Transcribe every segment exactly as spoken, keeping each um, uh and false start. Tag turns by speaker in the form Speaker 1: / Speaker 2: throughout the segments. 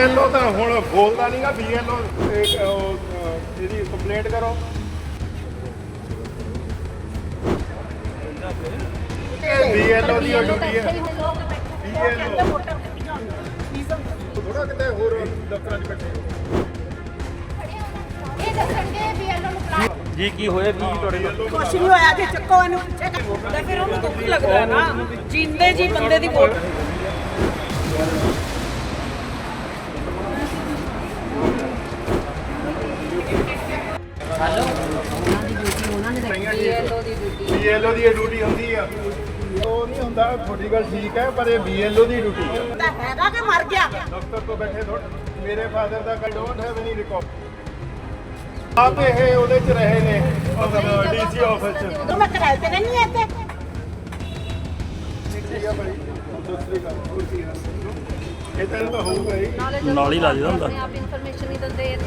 Speaker 1: BLO ਤਾਂ ਹੁਣ ਬੋਲਦਾ ਨਹੀਂਗਾ। ਬੀਐਲਓ ਇਹਦੀ ਕੰਪਲੇਂਟ ਕਰੋ। ਬੀਐਲਓ ਦੀ ਡਿਊਟੀ ਹੈ। ਬੀਐਲਓ ਥੋੜਾ ਕਿਤੇ ਹੋਰ ਦਫ਼ਤਰਾਂ 'ਚ ਬੈਠੇ
Speaker 2: ਇਹ ਦੱਸਣਗੇ ਬੀਐਲਓ ਨੂੰ ਬੁਲਾ
Speaker 3: ਜੀ ਕੀ ਹੋਇਆ ਜੀ ਤੁਹਾਡੇ ਨਾਲ?
Speaker 4: ਕੁਛ ਨਹੀਂ ਹੋਇਆ ਜੇ ਚੱਕੋ ਇਹਨੂੰ ਪਿੱਛੇ ਤੇ ਫਿਰ ਉਹਨੂੰ ਦੁੱਖ ਲੱਗਦਾ ਨਾ ਜਿੰਦੇ ਜੀ ਬੰਦੇ ਦੀ ਵੋਟ
Speaker 1: ਬੀਐਲਓ ਦੀ ਡਿਊਟੀ ਹੁੰਦੀ ਆ। ਉਹ ਨਹੀਂ ਹੁੰਦਾ, ਤੁਹਾਡੀ ਗੱਲ ਠੀਕ ਹੈ, ਪਰ ਇਹ ਬੀਐਲਓ ਦੀ ਡਿਊਟੀ ਹੈ।
Speaker 4: ਤਾਂ ਹੈਗਾ ਕਿ ਮਰ ਗਿਆ
Speaker 1: ਦਫ਼ਤਰ ਤੋਂ ਬੈਠੇ ਥੋੜਾ ਮੇਰੇ ਫਾਦਰ ਦਾ ਕਾ ਡੋਂਟ ਹੈਵ ਐਨੀ ਰਿਕਾਰਡ। ਆਪ ਇਹ ਉਹਦੇ ਚ ਰਹੇ ਨੇ ਡੀਸੀ ਆਫਿਸ ਚ।
Speaker 4: ਉਦੋਂ ਮੈਂ ਕਿਰਾਏ ਤੇ ਨਹੀਂ ਇੱਥੇ
Speaker 1: ਠੀਕ ਹੈ ਭਾਈ, ਦੂਸਰੀ ਗੱਲ ਦੂਸਰੀ ਗੱਲ ਇਹ ਤਾਂ ਹੋਊਗਾ ਹੀ।
Speaker 3: ਨਾਲ ਹੀ ਲਾ ਦਿੰਦਾ ਹੁੰਦਾ।
Speaker 2: ਆਪ ਇਨਫੋਰਮੇਸ਼ਨ ਨਹੀਂ ਦਿੰਦੇ।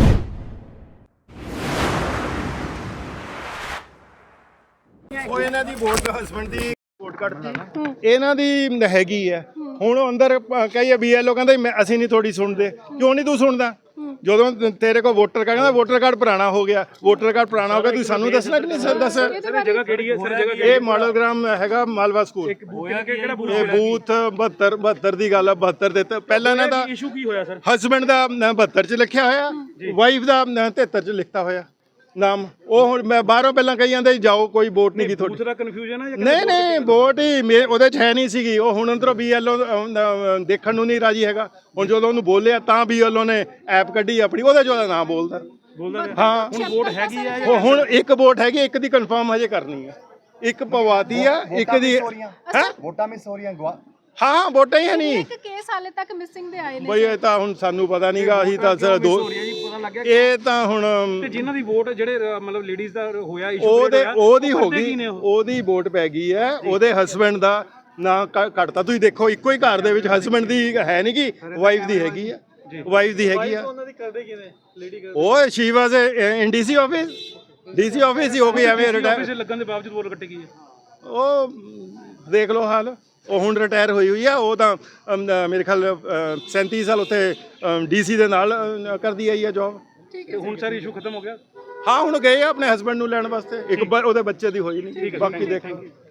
Speaker 1: ਉਹ ਇਹਨਾਂ ਦੀ ਵੋਟ ਹਸਬੰਡ ਦੀ ਵੋਟ ਕੱਢਤੀ, ਇਹਨਾਂ ਦੀ ਹੈਗੀ ਹੈ। ਹੁਣ ਅੰਦਰ ਕਹੀਏ ਬੀਐਲਓ ਕਹਿੰਦਾ ਮੈਂ ਅਸੀਂ ਨਹੀਂ ਥੋੜੀ ਸੁਣਦੇ। ਕਿਉਂ ਨਹੀਂ ਤੂੰ ਸੁਣਦਾ? ਜਦੋਂ ਤੇਰੇ ਕੋਲ ਵੋਟਰ ਕਾਰਡ ਕਹਿੰਦਾ ਵੋਟਰ ਕਾਰਡ ਪੁਰਾਣਾ ਹੋ ਗਿਆ, ਵੋਟਰ ਕਾਰਡ ਪੁਰਾਣਾ ਹੋ ਗਿਆ, ਤੁਸੀਂ ਸਾਨੂੰ ਦੱਸਣਾ ਕਿ ਨਹੀਂ ਦੱਸ।
Speaker 3: ਜਗ੍ਹਾ ਕਿਹੜੀ ਹੈ ਸਰ? ਜਗ੍ਹਾ
Speaker 1: ਇਹ ਮਾਡਲ ਗ੍ਰਾਮ ਹੈਗਾ ਮਾਲਵਾ ਸਕੂਲ।
Speaker 3: ਹੋਇਆ ਕਿ ਕਿਹੜਾ
Speaker 1: ਇਹ ਬੂਥ ਬਹੱਤਰ ਬਹੱਤਰ ਦੀ ਗੱਲ ਆ। ਬਹੱਤਰ ਦੇ ਪਹਿਲਾਂ ਇਹਨਾਂ ਦਾ
Speaker 3: ਇਸ਼ੂ ਕੀ ਹੋਇਆ ਸਰ?
Speaker 1: ਹਸਬੈਂਡ ਦਾ ਬਹੱਤਰ ਚ ਲਿਖਿਆ ਹੋਇਆ, ਵਾਈਫ ਦਾ ਤੇਹੱਤਰ ਚ ਲਿਖਤਾ ਹੋਇਆ ਨਾਮ। ਉਹ ਹੁਣ ਮੈਂ ਬਾਹਰੋਂ ਪਹਿਲਾਂ ਕਹੀ ਜਾਂਦੇ ਜਾਓ ਕੋਈ ਵੋਟ ਨਹੀਂ ਗਈ ਤੁਹਾਡੀ।
Speaker 3: ਦੂਸਰਾ ਕਨਫਿਊਜ਼ਨ ਹੈ?
Speaker 1: ਨਹੀਂ ਨਹੀਂ ਵੋਟ ਹੀ ਮੇ- ਉਹਦੇ ਚ ਹੈ ਨਹੀਂ ਸੀਗੀ। ਉਹ ਹੁਣ ਅੰਦਰੋਂ ਬੀਐਲਓ ਦੇਖਣ ਨੂੰ ਨਹੀਂ ਰਾਜੀ ਹੈਗਾ। ਹੁਣ ਜਦੋਂ ਉਹਨੂੰ ਬੋਲਿਆ ਤਾਂ ਬੀਐਲਓ ਨੇ ਐਪ ਕੱਢੀ ਆਪਣੀ, ਉਹਦੇ ਚ ਉਹਦਾ ਨਾਮ ਬੋਲਦਾ
Speaker 3: ਬੋਲਦਾ
Speaker 1: ਹਾਂ।
Speaker 3: ਹੁਣ ਵੋਟ ਹੈਗੀ ਆ?
Speaker 1: ਉਹ ਹੁਣ ਇੱਕ ਵੋਟ ਹੈਗੀ, ਇੱਕ ਦੀ ਕਨਫਰਮ ਹਜੇ ਕਰਨੀ ਆ। ਇੱਕ ਪਵਾਤੀ ਆ, ਇੱਕ ਦੀ ਹੈ
Speaker 5: ਵੋਟਾਂ ਮਿਸ ਹੋ ਰਹੀਆਂ ਗਵਾ
Speaker 1: ਹਾਂ ਹਾਂ ਵੋਟਾਂ ਹੀ ਹੈ ਨਹੀਂ।
Speaker 6: ਇੱਕ ਕੇਸ ਹਾਲੇ ਤੱਕ ਮਿਸਿੰਗ ਦੇ ਆਏ ਨੇ
Speaker 1: ਬਈ ਇਹ ਤਾਂ ਹੁਣ ਸਾਨੂੰ ਪਤਾ ਨਹੀਂਗਾ। ਅਸੀਂ ਤਾਂ ਸਰ ਦੋ
Speaker 3: ਪਤਾ ਲੱਗ ਗਿਆ
Speaker 1: ਇਹ ਤਾਂ ਹੁਣ
Speaker 3: ਤੇ ਜਿਨ੍ਹਾਂ ਦੀ ਵੋਟ ਜਿਹੜੇ ਅ, ਮਤਲਬ ਲੇਡੀਜ਼ ਦਾ ਹੋਇਆ ਇਸ਼ੂ
Speaker 1: ਉਹਦੇ ਉਹਦੀ ਹੋ ਗਈ, ਉਹਦੀ ਵੋਟ ਪੈ ਗਈ ਹੈ। ਉਹਦੇ ਹਸਬੈਂਡ ਦਾ ਨਾਂ ਕੱਟਤਾ। ਤੁਸੀਂ ਦੇਖੋ ਇੱਕੋ ਹੀ ਘਰ ਦੇ ਵਿੱਚ ਹਸਬੈਂਡ ਦੀ ਹੈ ਨਹੀਂ ਕਿ ਵਾਈਫ ਦੀ ਹੈਗੀ ਆ। ਵਾਈਫ ਦੀ ਹੈਗੀ ਆ।
Speaker 3: ਉਹਨਾਂ ਦੀ ਕਰਦੇ ਕਿਵੇਂ ਲੇਡੀ
Speaker 1: ਉਹ she was in DC office. DC office ਹੀ ਹੋ ਗਈ ਐਵੇਂ ਰਿਟਾਇਰ।
Speaker 3: ਆਫਿਸ ਲੱਗਣ ਦੇ ਬਾਵਜੂਦ ਵੋਟ ਕੱਟੀ ਗਈ ਹੈ।
Speaker 1: ਉਹ ਦੇਖ ਲਓ ਹਾਲ। ਉਹ ਹੁਣ ਰਿਟਾਇਰ ਹੋਈ ਹੋਈ ਆ। ਉਹ ਤਾਂ ਅਮ, ਮੇਰੇ ਖਿਆਲ ਸੈਂਤੀ ਸਾਲ ਉੱਥੇ ਡੀਸੀ ਦੇ ਨਾਲ ਅ, ਕਰਦੀ ਆਈ ਆ ਜੌਬ।
Speaker 3: ਤੇ ਹੁਣ ਸਰ ਇਸ਼ੂ ਖਤਮ ਹੋ ਗਿਆ?
Speaker 1: ਹਾਂ ਹੁਣ ਗਏ ਆ ਆਪਣੇ ਹਸਬੈਂਡ ਨੂੰ ਲੈਣ ਵਾਸਤੇ। ਇੱਕ ਵਾਰ ਉਹਦੇ ਬੱਚੇ ਦੀ ਹੋਈ ਨਹੀਂ, ਬਾਕੀ ਦੇਖ ਲਓ।